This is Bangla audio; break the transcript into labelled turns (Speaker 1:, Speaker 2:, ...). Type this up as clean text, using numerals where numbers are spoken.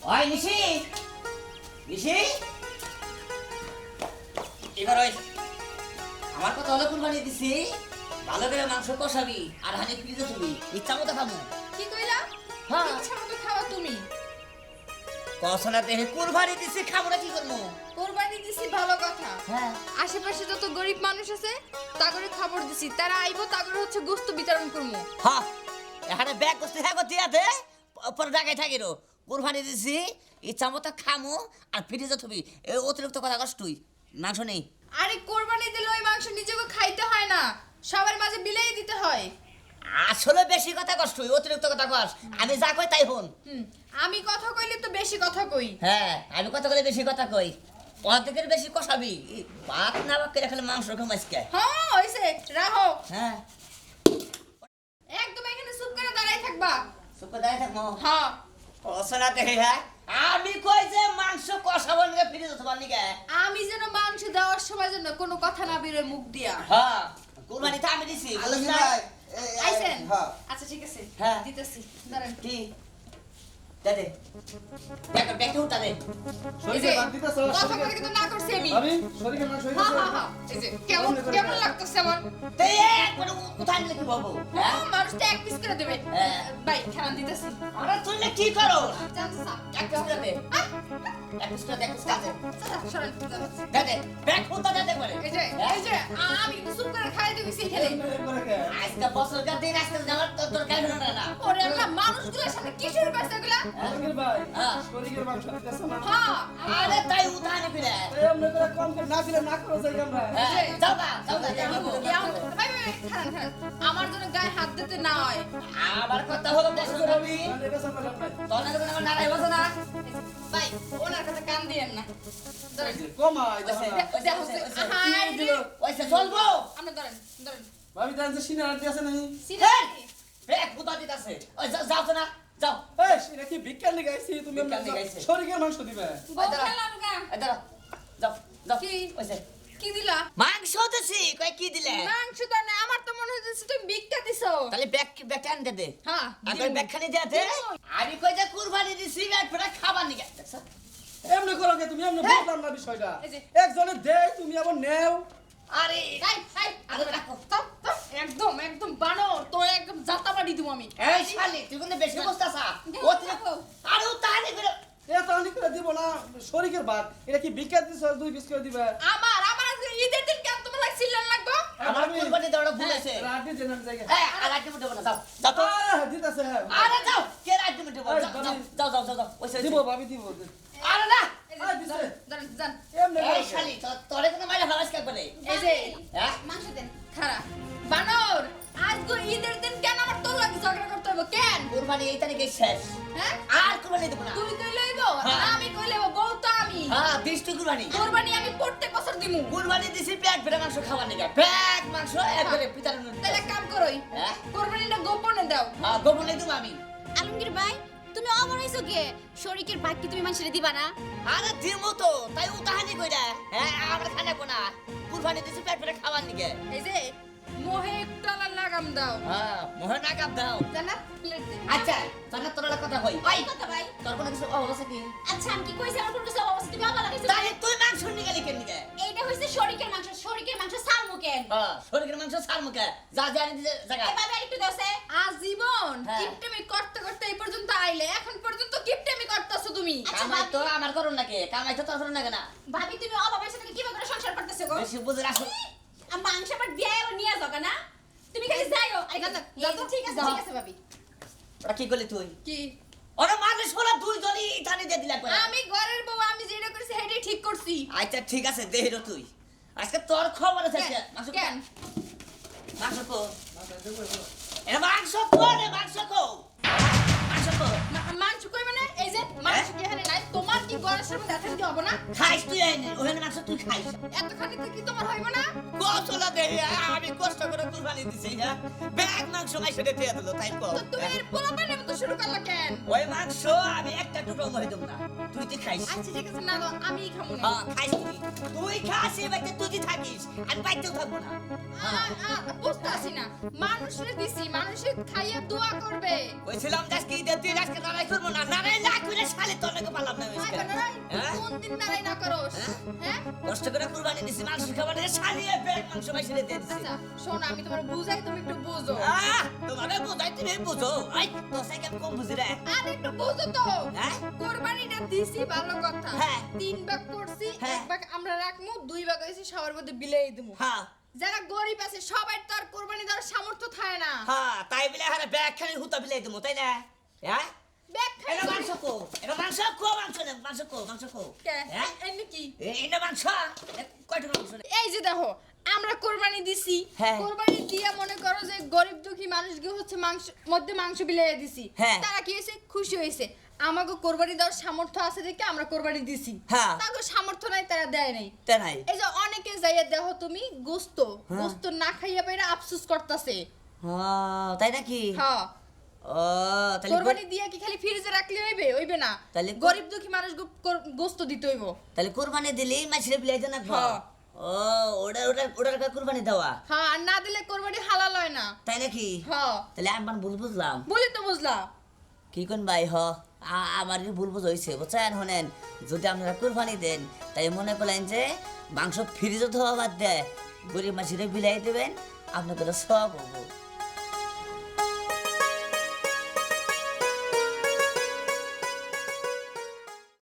Speaker 1: ওই নিশি নিশি এবার ওই আমার কথা হলো কুরবানি দিছি ভালো করে মাংস কষাবি আর হানি ফ্রিজে থবি ইচ্ছা মতো খাবো
Speaker 2: কি কইলা?
Speaker 1: হ্যাঁ।
Speaker 2: ইচ্ছা মতো খাওয়া তুমি।
Speaker 1: কষনা দেহে কুরবানি দিছি খাবো না কি করবো?
Speaker 2: কোরবানি দিছি ভালো কথা।
Speaker 1: হ্যাঁ
Speaker 2: আশেপাশে যত গরিব মানুষ আছে তাগরে খবর দিছি, তারা আইবো, তাগরে হচ্ছে গোশত বিতরণ করবো।
Speaker 1: হ্যাঁ এখানে ব্যাগ করতে হ্যাঁ করতে আছে পরে ঢাকায় থাকি রো কুরবানি দিছি ইচ্ছা মতো খামো আর ফ্রিজে থবি এই অতিরিক্ত কথা কস তুই মাংস নেই
Speaker 2: আরে কোরবানি দিলে ওই মাংস নিজেকে খাইতে হয় না, সবার মাঝে বিলাই দিতে হয়।
Speaker 1: আসলে বেশি কথা কস তুই অতিরিক্ত কথা কস আমি যা কই তাই হন
Speaker 2: আমি কথা কইলে তো বেশি কথা কই।
Speaker 1: হ্যাঁ আমি কথা বলে বেশি কথা কই অর্ধেকের বেশি কষাবি ভাত না বাক করে খালি মাংস খামাইসকে
Speaker 2: হ্যাঁ হইছে, রাখো।
Speaker 1: হ্যাঁ
Speaker 2: একদম এখানে চুপ করে দাঁড়াই থাকবা।
Speaker 1: সুপে দাঁড়িয়ে থাকবো
Speaker 2: হ্যাঁ।
Speaker 1: কষনা দেহে হ্যাঁ আমি কই যে মাংস কষাবো নিকে ফ্রিজে থবার নিকে
Speaker 2: আমি যেন মাংস দেওয়ার সময় যেন কোনো কথা না বেরোয় মুখ দিয়া।
Speaker 1: হ্যাঁ কুরবানি তো আমি দিছি
Speaker 3: আলমগীর
Speaker 1: বুঝছ না?
Speaker 3: ভাই
Speaker 2: আইছেন?
Speaker 3: হ্যাঁ
Speaker 2: আচ্ছা ঠিক আছে,
Speaker 1: হ্যাঁ।
Speaker 2: দিতেছি, দাঁড়ান।
Speaker 1: কি দাদে ব্যাগ উঠা দে
Speaker 2: এই যে,
Speaker 3: শরীরে বাদ দিতেছ
Speaker 2: কথা কইতে কিন্তু না করছি আমি।
Speaker 3: ভাবি শরীরে মাংস
Speaker 2: হ্যাঁ
Speaker 3: হইতাছে
Speaker 2: হ্যাঁ হ্যাঁ, এই যে কেমন কেমন লাগতেছে আমার।
Speaker 1: তে একবার উঠাই নিলে কি বলবো হ্যাঁ
Speaker 2: মানুষটা এক পিস করে দেবে।
Speaker 1: হ্যাঁ।
Speaker 2: ভাই খেলান দিতেছি।
Speaker 1: আরে তুই না কি করো
Speaker 2: জানতো স্যার।
Speaker 1: এক পিস করে দে এক পিস করে দে এক পিস করে দে
Speaker 2: সরেন,
Speaker 1: দে দে ব্যাগ উঠা দে একবারে
Speaker 2: এই যে আমি কিন্তু চুপ করে খাই দিয়েছি এখানে।
Speaker 1: আজকে বছরকার দিন আজকে যাওয়ার তোর কাজ না না
Speaker 2: ওরে আল্লাহ, মানুষগুলোর সামনে কি শুরু করছে এগুলা?
Speaker 3: আলমগীর ভাই
Speaker 1: হ্যাঁ।
Speaker 3: শরীরে মাংস দিতেছ না
Speaker 2: হ্যাঁ।
Speaker 1: আরে তাই উঠাই নি ফিরে
Speaker 3: এই আমরা করে কম করে না দিলে না করো যাই আমরা
Speaker 1: হ্যাঁ যাও না যাও না যাও
Speaker 2: ভাই, ভাই, ভাই, খারান, খারান। আমার জন্য গায়ে হাত দিতে না হয়।
Speaker 1: আমার কথা হলো বছর রবি
Speaker 3: মানে বেসা বলে ভাই
Speaker 1: তোর না কোনো নারাই বসো না
Speaker 2: ভাই, ওনার কাছে কান দিয়েন না। ধরেন।
Speaker 3: কমাই
Speaker 1: ওইসে,
Speaker 3: দেখো না
Speaker 1: ওইসে, ওইসে, ওইসে।
Speaker 2: হাই রে।
Speaker 1: ওইসে চলবো
Speaker 2: আপনি ধরেন, ধরেন।
Speaker 3: ভাবি জান যে সিনা আর দিয়েছে নাই
Speaker 2: সিধা
Speaker 1: ব্যাগ উঠা দিতাছে ওই যাও তো না যাও
Speaker 3: এই সিনা কি ভিক্ষা নিয়ে গাইছি তুমি
Speaker 1: ভিক্ষা নিয়ে গাইছে।
Speaker 3: শরীরে মাংস দিবে
Speaker 2: বউ খেলাম গা।
Speaker 1: এই দাঁড়া যাও যাও
Speaker 2: কি?
Speaker 1: ওইসে
Speaker 2: কি দিলা?
Speaker 1: মাংস দিছি কই কি দিলে
Speaker 2: মাংস তো না, আমার তো মনে হচ্ছে তুমি ভিক্ষা দিছো।
Speaker 1: তাহলে ব্যাগ আনতে দে
Speaker 2: হ্যাঁ,
Speaker 1: আগে ব্যাগ খানি দেতে আমি কই যে কুরবানি দিছি ব্যাগ ফেরা খাবার নিকে দেখছ
Speaker 3: এমনি করো কে তুমি এমনি বুঝলাম না বিষয়টা
Speaker 2: এই যে।
Speaker 3: একজনে দেয় তুমি আবার নেও
Speaker 1: আরে
Speaker 2: এই, এই,
Speaker 1: আরে রাখো
Speaker 2: চপ, চপ। একদম একদম বানর, তো একদম জাতা বাড়ি দিব আমি।
Speaker 1: এই শালি তুই কিন্তু বেশি বসতাছা অতিরিক্ত আরে উতানি করে
Speaker 3: এ তো আনি করে দিব না শরীরের ভাত এটা কি ভিক্ষা দিছ দুই পিস করে দিবে
Speaker 2: আমার আমার আজকে ঈদের দিন কেন তোমার লাগে সিলন লাগবো?
Speaker 1: আমার কুরবানি দেওয়াটা ভুল হয়েছে
Speaker 3: রাতে দেন আমি জায়গা
Speaker 1: এই আর আগে মুটে না যাও যাও তো
Speaker 3: দিতেছে হ্যাঁ
Speaker 1: আরে যাও কে রাজ্য মুটে যাও যাও যাও যাও ওইসে
Speaker 3: দিব ভাবি দিব
Speaker 1: আরে না
Speaker 2: এই যে,
Speaker 3: আয় দিছে।
Speaker 2: ধরেন, ধরেন, যান।
Speaker 3: এমনি
Speaker 1: এই শালি তোরে কোনো মাইরা ফালাস কে করে
Speaker 2: এই যে,
Speaker 1: হ্যাঁ
Speaker 2: মাংস দেন। খারা। বানর, আজকে ঈদের দিন কেন আমার তোর লাগে ঝগড়া করতে হবে কেন?
Speaker 1: কুরবানি এই তারিখে শেষ
Speaker 2: হ্যাঁ?
Speaker 1: আর কুরবানি দেব না
Speaker 2: তুই কইলেইব,
Speaker 1: হ্যাঁ।
Speaker 2: আমি কইলেইব, বউ তো আমি।
Speaker 1: হ্যাঁ দৃষ্টি কুরবানি
Speaker 2: কোরবানি আমি প্রত্যেক বছর দিমু।
Speaker 1: কুরবানি দিছি পেট ভরে মাংস খাওয়ার নিকে পেট মাংস একবারে পিতার
Speaker 2: তাহলে এক কাম করই,
Speaker 1: হ্যাঁ
Speaker 2: কোরবানিটা গোপনে দাও।
Speaker 1: হ্যাঁ গোপনে দেব আমি
Speaker 4: আলমগীর ভাই তুমি অমর হইছো কে? শরীকের ভাগ কি তুমি মানুষের দিবা না?
Speaker 1: আরে দিমু তো তাই উতাহানি কইরা হ্যাঁ আমরা খানা কোনা কুরবানি দিছি পেট ভরে খাওয়ার নিকে
Speaker 2: এই যে, মোহে একটা লাগাম দাও।
Speaker 1: হ্যাঁ মোহন আগাম দাও
Speaker 2: জানা? প্লেট দে।
Speaker 1: আচ্ছা তাহলে তোর একটা কথা কই
Speaker 4: এই কথা ভাই।
Speaker 1: তোর কোনো কিছু অবস্থা কি
Speaker 4: আচ্ছা আমি কি কইছি আমার কোনো কিছু অবস্থা তুমি অবাক লাগাইছো?
Speaker 1: তাই তুই মাংস নিয়ে গেলি কেন নিকে
Speaker 4: এইটা হইছে শরীকের মাংস সালমু কেন?
Speaker 1: হ্যাঁ শরীরের মাংস সার মুখে যা জানি দিতে জায়গা
Speaker 4: এভাবে আরেকটু দাওছে।
Speaker 2: আজীবন
Speaker 1: হ্যাঁ।
Speaker 2: কিপটেমি করতে করতে এই পর্যন্ত আইলে, এখন পর্যন্ত কিপটেমি করতেছো তুমি।
Speaker 4: আচ্ছা,
Speaker 1: কামাই তো আমার করুন নাকি কামাই তো তোর করুন নাকি না
Speaker 4: ভাবি তুমি অভাবের সাথে কিভাবে করে সংসার করতেছো গো?
Speaker 1: বেশি বুঝে রাখো
Speaker 4: আর মাংস পাট দিয়ে নিয়ে যাও না? তুমি খালি যাইও। আরে
Speaker 2: যাও,
Speaker 4: এই
Speaker 2: যাও
Speaker 4: যে,
Speaker 2: তো।
Speaker 4: ঠিক আছে
Speaker 1: যাও।
Speaker 4: ঠিক আছে ভাবি।
Speaker 1: ওরা কি করলি তুই
Speaker 2: কি?
Speaker 1: ওরা মানুষ হলো দুইজনই থানে দিয়ে দিলা করে
Speaker 2: আমি ঘরের বউ, আমি যেটা করছি সেটাই ঠিক করছি।
Speaker 1: আচ্ছা ঠিক আছে দেহিরো তুই আজকে তোর খবর আছে
Speaker 2: কেন?
Speaker 1: মাংস
Speaker 2: কেন?
Speaker 1: মাংস কো এ মাংস কো রে মাংস কো মাংস কো
Speaker 2: মাংস কই মানে? এই যে মাংস কি এখানে নাই? তোমার কি ঘরের সামনে দেখা দিতে হবে না?
Speaker 1: খাইস তুই আইনি ওখানে মাংস তুই খাইস
Speaker 2: এতখানি তো কি তোমার হইব না?
Speaker 1: কতলা দেহি আমি কষ্ট করে কুরবানি দিছি হ্যাঁ ব্যাগ মাংস মাইসে দিয়ে দিল তাই কো
Speaker 2: তো তুমি এর পোলাপানের মতো শুরু করলা কেন?
Speaker 1: ওই মাংস আমি একটা টুকরো মরে দেব না তুই খাইস
Speaker 2: আচ্ছা ঠিক আছে, না দাও, আমিই খাবো না।
Speaker 1: হ্যাঁ খাইস তুই খাস এই বাড়িতে তুই থাকিস আমি বাইতেও থাকবো না
Speaker 2: বুঝতে আসি না, মানুষের দিছি, মানুষের খাইয়ে দোয়া করবে।
Speaker 1: কইছিলাম আজকে ঈদের দিন আজকে লড়াই করবো না লড়াই না করে শালে তোর নাকি
Speaker 2: একদিন দাঁড়াই না করস হ্যাঁ
Speaker 1: কষ্ট করে কুরবানি দিছি মাংস খাবার দিয়ে সারিয়ে ব্যাগ মাংস মাইসিরে দিয়ে দিছি
Speaker 2: আচ্ছা শোন আমি তোমার বুঝাই তুমি একটু বুঝো
Speaker 1: তোমাকে বোঝাই তুমি বুঝো আই তো সাইকেল কম বুঝি রে
Speaker 2: আর একটু বুঝো তো
Speaker 1: হ্যাঁ?
Speaker 2: কোরবানিটা দিছি ভালো কথা
Speaker 1: হ্যাঁ।
Speaker 2: 3 ভাগ করছি
Speaker 1: হ্যাঁ।
Speaker 2: 1 ভাগ আমরা রাখমু 2 ভাগ হইছে সবার মধ্যে বিলাই দিমু
Speaker 1: হ্যাঁ
Speaker 2: যারা গরিব আছে সবাই তো আর কোরবানি দেওয়ার সামর্থ্য থাকে না
Speaker 1: হ্যাঁ তাই বলে হারে ব্যাগ খালি হুতা বিলাই দেবো তাই না হ্যাঁ
Speaker 2: ব্যাগ
Speaker 1: এটা
Speaker 2: খাই
Speaker 1: মাংস কো এটা মাংস কো মাংস না মাংস কো
Speaker 2: কে
Speaker 1: হ্যাঁ
Speaker 2: এনে কি
Speaker 1: এটা মাংস কয়টা মাংস রে?
Speaker 2: এই যে দেখো আমরা কোরবানি দিছি
Speaker 1: হ্যাঁ।
Speaker 2: কোরবানি দিয়া মনে করো যে গরিব দুঃখী মানুষকে হচ্ছে মাংস বিলাইয়া দিছি
Speaker 1: হ্যাঁ।
Speaker 2: তারা কি হয়েছে খুশি হয়েছে আমাকে কোরবানি দেওয়ার সামর্থ্য আছে দেখে আমরা কোরবানি দিছি
Speaker 1: হ্যাঁ।
Speaker 2: তাকে সামর্থ্য নাই তারা দেয় নাই
Speaker 1: তাই নাই
Speaker 2: এই যে অনেকে যাইয়া দেখো তুমি গোস্ত
Speaker 1: হ্যাঁ।
Speaker 2: গোস্ত না খাইয়া পাইরা আফসোস করতেছে
Speaker 1: তাই নাকি
Speaker 2: হ্যাঁ
Speaker 1: ও তাহলে
Speaker 2: কোরবানি দিয়া কি খালি ফ্রিজে রাখলে হইবে না
Speaker 1: তাহলে
Speaker 2: গরিব দুঃখী মানুষ গোস্ত দিতে হইব
Speaker 1: তাহলে কুরবানি দিলেই মাছরে বিলাই দেন না
Speaker 2: হ্যাঁ।
Speaker 1: ও ওটার কুরবানি দেওয়া
Speaker 2: হ্যাঁ আর না দিলে কোরবানি হালাল হয় না
Speaker 1: তাই নাকি
Speaker 2: হ্যাঁ
Speaker 1: তাহলে আমি ভুল বুঝলাম
Speaker 2: বলি তো বুঝলা
Speaker 1: কি কোন ভাই আমার ভুল বুঝ হয়েছে বুঝছেন শোনেন যদি আপনারা কুরবানি দেন তাই মনে করলেন যে মাংস ফ্রিজে ধোয়া বাদ দেয় গরিব মাছিরে বিলাই দেবেন আপনাদের সব হবো